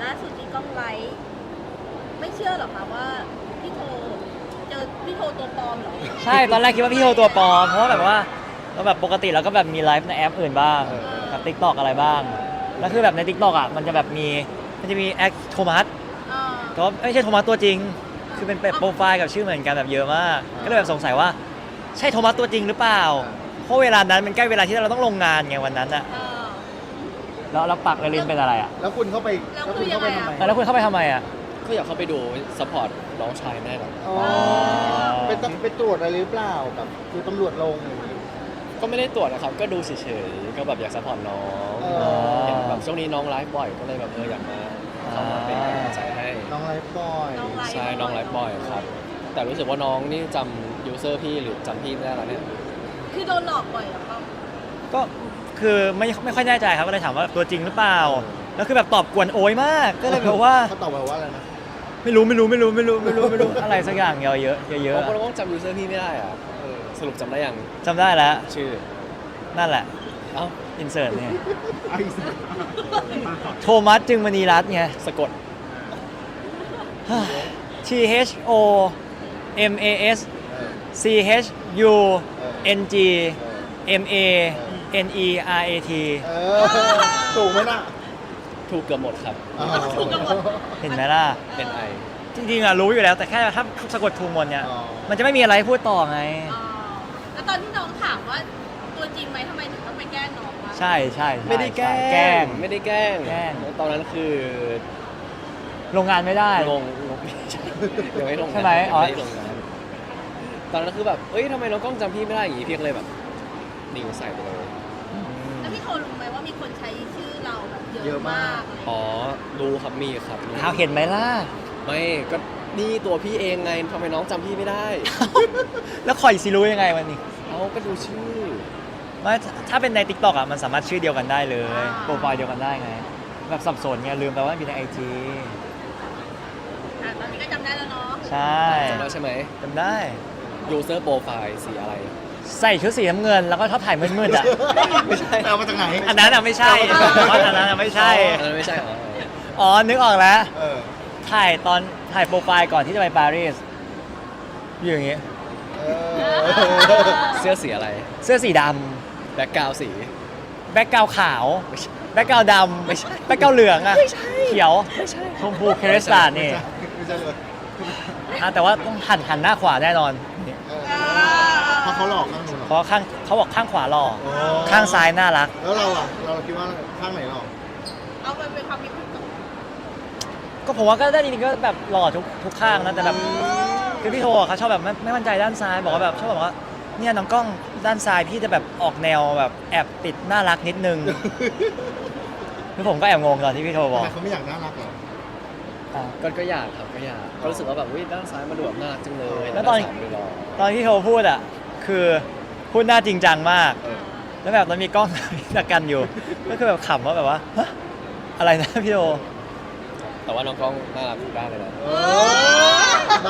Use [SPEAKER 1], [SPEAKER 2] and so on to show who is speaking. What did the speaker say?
[SPEAKER 1] ล่าสุดที่กล้องไลฟ์ไม่เชื่อหรอคะว่าพี่โทเจอพี่โทตัวปลอมเหรอ
[SPEAKER 2] ใช่ตอนแรกคิดว่าพี่โทตัวปลอมเพราะว่าแบบว่าเราแบบปกติเราก็แบบมีไลฟ์ในแอปอื่นบ้างกับ TikTok อะไรบ้างแล้วคือแบบใน TikTok อ่ะมันจะแบบมันจะมีแอคโทมัสก็ไม่ใช่โทมัสตัวจริงคือเป็นโปรไฟล์กับชื่อเหมือนกันแบบเยอะมากก็เลยแบบสงสัยว่าใช่โทมัสตัวจริงหรือเปล่าเพราะเวลานั้นมันใกล้เวลาที่เราต้องลงงานไงวันนั้นอะแล้วปักลินเป็นอะไรอะ
[SPEAKER 3] แล้วคุณเข้าไปทำไม
[SPEAKER 2] แล้วคุณเข้าไปทำไมอะ
[SPEAKER 4] ก็อยากเข้าไปดูซัพพอร์ตน้องชายแม่ครับ
[SPEAKER 3] อ๋อไปตรวจอะไรหรือเปล่าแบบคือตำรวจลงอย่างนี้
[SPEAKER 4] ก็ไม่ได้ตรวจนะครับก็ดูเฉยๆก็แบบอยากซัพพอร์ตน้อง เห็นแบบช่วงนี้น้องไลฟ์บ่อยก็เลยแบบอยากมาเข้ามาเป็นกำลังใจให้
[SPEAKER 3] น้องไลฟ์บอย
[SPEAKER 4] ใช่น้องไลฟ์บ่อยครับแต่รู้สึกว่าน้องนี่จำยูเซอร์พี่หรือจำพี่ไม่ได้แล้วเนี่ย
[SPEAKER 1] คือโดนหลอกบ่อยเหรอครับ
[SPEAKER 2] ก็คือไม่ค่อยแน่ใจครับก็เลยถามว่าตัวจริงหรือเปล่าแล้วคือแบบตอบกวนโอยมากก็เลยแบบว่า
[SPEAKER 3] เขาตอบมาว่าอะไรนะ
[SPEAKER 2] ไม่รู้อะไรสักอย่างเยอะเยอะ
[SPEAKER 4] เพราะน้องจำยูเซอร์พี่ไม่ได้อ่ะสรุปจำได้ยัง
[SPEAKER 2] จำได้แล้ว
[SPEAKER 4] ชื่อ
[SPEAKER 2] นั่นแหละ
[SPEAKER 4] เอ้า
[SPEAKER 2] อินเสิร์ตเนี่ย
[SPEAKER 3] ไอ้สัส
[SPEAKER 2] โทมัสจึงมณีรัตน์ไง
[SPEAKER 4] สะกด
[SPEAKER 2] T H O M A S C H U N G M A N E R A T
[SPEAKER 3] ถูกไหมน่ะ
[SPEAKER 4] ถูกเกือบหมดครับ
[SPEAKER 2] เห็นไหมล่ะ
[SPEAKER 4] เป็นไอ
[SPEAKER 2] จริงๆอ่ะรู้อยู่แล้วแต่แค่ถ้าสะกดถูกหมดเนี่ย มันจะไม่มีอะไรพูดต่อไง
[SPEAKER 1] แล้วตอนที่น้องถามว่าตัวจริงไหมทำไมถึงต้องไปแกล้งน้องวะ
[SPEAKER 2] ใช่
[SPEAKER 4] ไม่ได้แกล้
[SPEAKER 2] แกล้ง
[SPEAKER 4] ไม่ได้แกล้ง
[SPEAKER 2] แกล้ง
[SPEAKER 4] ตอนนั้นคือ
[SPEAKER 2] ลงงานไม่ได้
[SPEAKER 4] ลงไม่ใช่ยังไม่ลง
[SPEAKER 2] ใช่ไหมอ๋อ
[SPEAKER 4] ไม่ได้ลงงานตอนนั้นคือแบบเอ้ยทำไมน้องกล้องจำพี่ไม่ได้อย่างงี้พี่ก็เลยแบบนิ่งใส่ไปเลย
[SPEAKER 1] แล้วพี่โทรู้ไหมว่ามีคนใช้ชื่อเราแบบเยอะมากอะไรอย่าง
[SPEAKER 4] อ๋อ
[SPEAKER 1] เงี้ย
[SPEAKER 4] รู้ครับมีครับมี
[SPEAKER 2] เอาเห็นไหมล่ะ
[SPEAKER 4] ไม่ก็นี่ตัวพี่เองไงทำไมน้องจำพี่ไม่ได้
[SPEAKER 2] แล้วคอยสิรู้ยังไงวันนี้
[SPEAKER 4] เอาก็ดูชื่อ
[SPEAKER 2] ไม่ถ้าเป็นใน TikTok อ่ะมันสามารถชื่อเดียวกันได้เลยโปรไฟล์เดียวกันได้ไงแบบสับสนไงลืมไปว่ามีใน IG
[SPEAKER 1] ตอนนี้ก็จำได้แล้วเนาะ
[SPEAKER 2] ใช่
[SPEAKER 4] จำได้ใช่ไหม
[SPEAKER 2] จำได้
[SPEAKER 4] user profile สีอะไร
[SPEAKER 2] ใส่ชุดสีน้ำเงินแล้วก็ชอบถ่ายมืดๆอ่ะ
[SPEAKER 4] ไม่ใช่
[SPEAKER 3] เอามาจากไหน
[SPEAKER 2] อันนั้นอ่ะไม่ใช่อันนั้นอ่ะไม่ใช่
[SPEAKER 4] อันนั้นไม่ใช่เหรอ
[SPEAKER 2] อ๋อนึกออกแล้ว
[SPEAKER 3] เออ
[SPEAKER 2] ถ่ายโปรไฟล์ก่อนที่จะไปปารีสอยู่อย่างงี้
[SPEAKER 3] เออ
[SPEAKER 4] เสื้อสีอะไร
[SPEAKER 2] เสื้อสีด
[SPEAKER 4] แบ็คกราวสี
[SPEAKER 2] ำแบ็กกราวขาว
[SPEAKER 4] ไม่ใช่
[SPEAKER 2] แบ็กกราวดำแบ็กกราวเหลืองอ่ะเขียวชมพูเครสตาร์นี่
[SPEAKER 3] ไม่ใช่เลย
[SPEAKER 2] แต่ว่าต้องหันหน้าขวาแน่นอน
[SPEAKER 3] เพราะเขาหลอกข้างนู้นเหรอ
[SPEAKER 2] เพราะเขาบอกข้างขวาหล่อ
[SPEAKER 3] โอ้
[SPEAKER 2] ข้างซ้ายน่ารัก
[SPEAKER 3] แล้วเราอ่ะเราคิดว่าข้างไหนหลอก
[SPEAKER 1] เอาไปเป็นความคิดของตัว
[SPEAKER 2] ก็ผมว่าก็ได้จริงๆก็แบบหล่อทุกข้างนะแต่แบบคือพี่โทอะเขาชอบแบบไม่มั่นใจด้านซ้ายบอกว่าแบบชอบบอกว่าเนี่ยน้องกล้องด้านซ้ายพี่จะแบบออกแนวแบบแอบติดน่ารักนิดนึง คือผมก็แอบงงตอนที่พี่โทบ
[SPEAKER 3] ทำ
[SPEAKER 2] อก
[SPEAKER 3] ไมเขาไม่อยากน่ารักเหรอ
[SPEAKER 2] อ่ะ
[SPEAKER 4] ก็อยากครับก็อยากก็รู้สึกว่าแบบวิด้านซ้ายมันดูแบบน่ารักจังเลย
[SPEAKER 2] แล้วตอน
[SPEAKER 4] ด้าซ้ายดูหล่อ
[SPEAKER 2] ตอนที่โทพูดอ่ะคือพูดหน้าจริงจังมาก
[SPEAKER 4] เออ
[SPEAKER 2] แล้วแบบมันมีกล้อง ตะกันอยู่ ก็คือแบบขำว่าแบบว่าฮะอะไรนะพี่โท
[SPEAKER 4] แต่ว่าน้องกล้องน่ารักทุกด้านเลยนะ
[SPEAKER 3] เออ